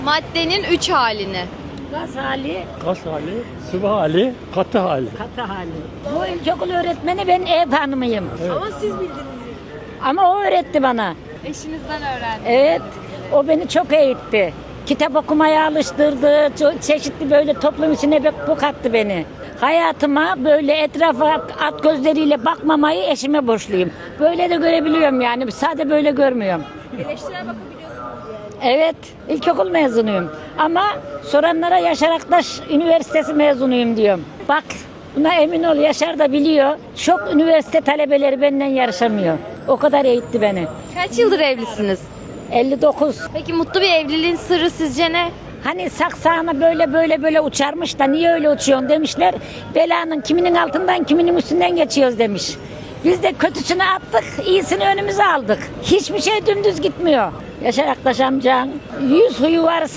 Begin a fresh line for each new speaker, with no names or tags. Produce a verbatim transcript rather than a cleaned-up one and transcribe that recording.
Maddenin üç halini.
Gaz hali,
Gaz hali, sıvı hali, katı hali.
katı hali. Bu ilkokul öğretmeni ben ev hanımıyım.
Ama siz bildiniz.
Ama o öğretti bana.
Eşinizden öğrendiniz.
Evet, o beni çok eğitti. Kitap okumaya alıştırdı, çok çeşitli böyle toplum içine bir bu kattı beni. Hayatıma böyle etrafa at gözleriyle bakmamayı eşime borçluyum. Böyle de görebiliyorum yani, sadece böyle görmüyorum.
Eleştirel bakabiliyorsunuz yani.
Evet, ilkokul mezunuyum. Ama soranlara Yaşar Aktaş Üniversitesi mezunuyum diyorum. Bak, buna emin ol, Yaşar da biliyor. Çok üniversite talebeleri benden yarışamıyor. O kadar eğitti beni.
Kaç yıldır evlisiniz?
elli dokuz.
Peki mutlu bir evliliğin sırrı sizce ne?
Hani saksağına böyle böyle böyle uçarmış da niye öyle uçuyorsun demişler. Belanın kiminin altından kiminin üstünden geçiyoruz demiş. Biz de kötüsünü attık, iyisini önümüze aldık. Hiçbir şey dümdüz gitmiyor. Yaşar Aktaş amcan yüz huyu var.